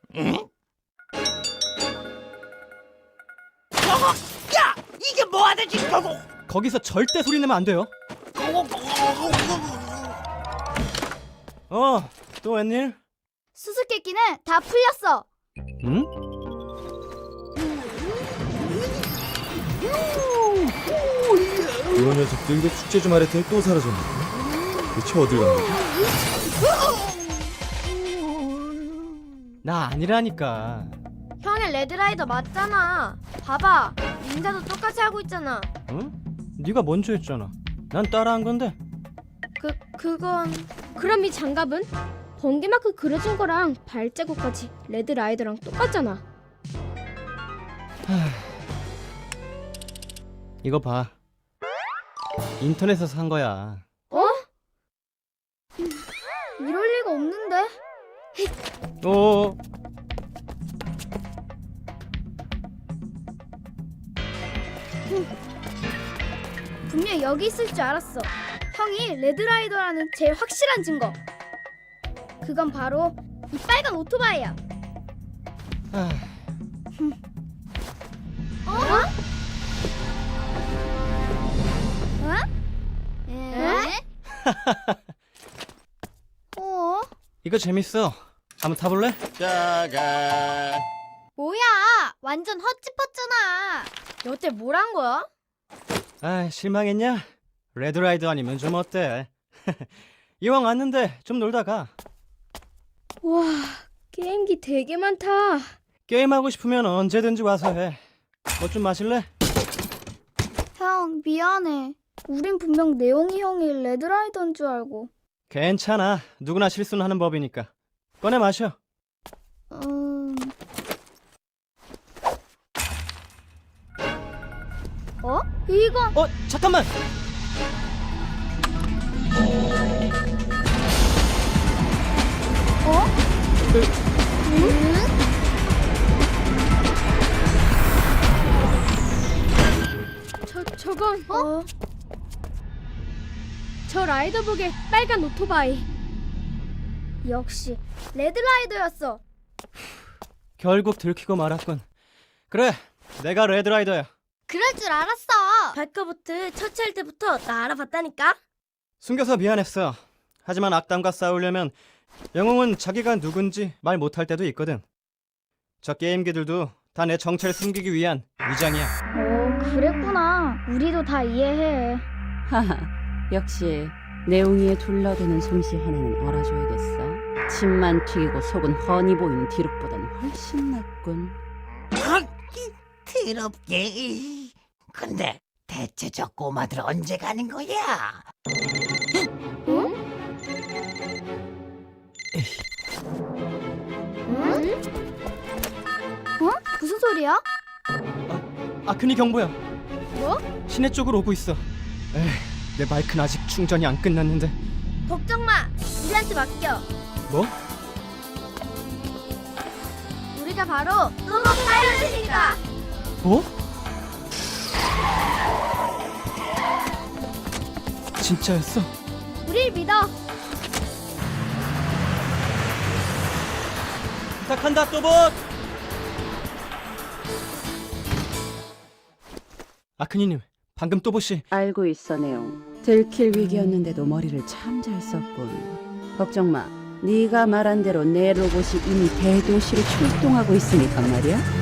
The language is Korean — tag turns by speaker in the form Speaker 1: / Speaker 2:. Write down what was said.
Speaker 1: 응? 야! 이게 뭐하는 짓이고?
Speaker 2: 거기서 절대 소리 내면 안 돼요. 또 웬일?
Speaker 3: 수수께끼는 다 풀렸어.
Speaker 2: 응?
Speaker 4: 이런 녀석들 이거 숙제 좀 하랬더니 또 사라졌네. 대체 어딜 간 거지?
Speaker 2: 나 아니라니까.
Speaker 3: 형의 레드라이더 맞잖아. 봐봐, 닌자도 똑같이 하고 있잖아.
Speaker 2: 응? 네가 먼저 했잖아. 난 따라한 건데.
Speaker 3: 그건...
Speaker 5: 그럼 이 장갑은? 번개마크 그려진 거랑 발자국까지 레드라이더랑 똑같잖아.
Speaker 2: 이거 봐. 인터넷에서 산 거야.
Speaker 5: 어?
Speaker 3: 이럴 리가 없는데.
Speaker 2: 오.
Speaker 3: 분명 여기 있을 줄 알았어. 형이 레드라이더라는 제일 확실한 증거. 그건 바로 이 빨간 오토바이야.
Speaker 2: 아,
Speaker 3: 에? 어?
Speaker 2: 이거 재밌어. 한번 타볼래?
Speaker 1: 짜잔.
Speaker 3: 뭐야? 완전 헛짚었잖아. 여태 뭘 한 거야?
Speaker 2: 아, 실망했냐? 레드라이더 아니면 좀 어때? 이왕 왔는데 좀 놀다가.
Speaker 5: 와, 게임기 되게 많다.
Speaker 2: 게임하고 싶으면 언제든지 와서 해. 뭐 좀 마실래?
Speaker 3: 형, 미안해. 우린 분명 내용이 형이 레드라이더인 줄 알고.
Speaker 2: 괜찮아. 누구나 실수는 하는 법이니까. 꺼내 마셔.
Speaker 3: 어? 이건
Speaker 2: 잠깐만.
Speaker 5: 저건 저 라이더복의 빨간 오토바이.
Speaker 3: 역시 레드라이더였어.
Speaker 2: 결국 들키고 말았군. 그래, 내가 레드라이더야.
Speaker 3: 그럴 줄 알았어.
Speaker 5: 발커부트 처치할 때부터 나 알아봤다니까.
Speaker 2: 숨겨서 미안했어. 하지만 악당과 싸우려면 영웅은 자기가 누군지 말 못할 때도 있거든. 저 게임기들도 다 내 정체를 숨기기 위한 위장이야.
Speaker 3: 그랬구나. 우리도 다 이해해.
Speaker 6: 하하, 역시 내웅이의 둘러대는 솜씨 하나는 알아줘야겠어. 침만 튀기고 속은 훤히 보이는 디룩보단 훨씬 낫군.
Speaker 1: 하기 더럽게. 근데 대체 저 꼬마들 언제 가는 거야?
Speaker 3: 무슨 소리야?
Speaker 2: 아크니 경보야.
Speaker 3: 뭐?
Speaker 2: 시내 쪽으로 오고 있어. 내 마이크는 아직 충전이 안 끝났는데.
Speaker 3: 걱정 마. 우리한테 맡겨.
Speaker 2: 뭐?
Speaker 3: 우리가 바로 로봇 파이럿이니까.
Speaker 2: 뭐? 진짜였어?
Speaker 3: 우릴 믿어.
Speaker 2: 부탁한다, 또봇! 아크니님, 방금 또봇이...
Speaker 6: 알고 있어, 내용. 들킬 위기였는데도 머리를 참 잘 썼군. 걱정 마. 네가 말한 대로 내 로봇이 이미 대도시로 출동하고 있으니까 말이야.